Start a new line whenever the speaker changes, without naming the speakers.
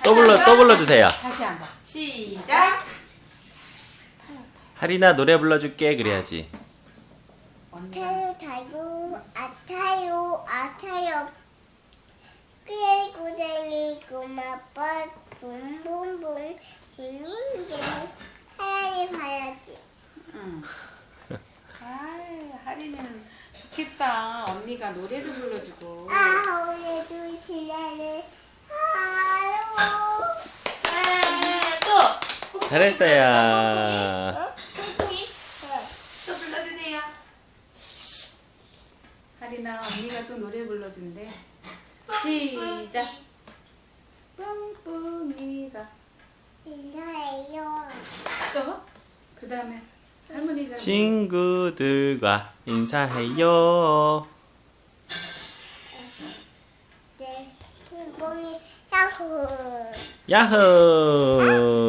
또 불러주세요.
다시 한번. 시작.
하리나 노래 불러줄게 그래야지.
타요 타요 아타요 아타요 꾸레꾸레니 꼬마빠 붕붕붕 징징징 하얀이 봐야지.
응. 아이, 하리는 좋겠다. 언니가 노래도 불러주고.
아 오늘도 지나는 하루.
또
잘했어요.
콩콩이 또 불러주세요.
하리나 언니가 또 노래 불러준대. 시작. 뿡뿡이가
인사해요.
또? 그 다음에 할머니 잘
친구들과 인사해요.
네, 뽕뽕이 야호.
야호.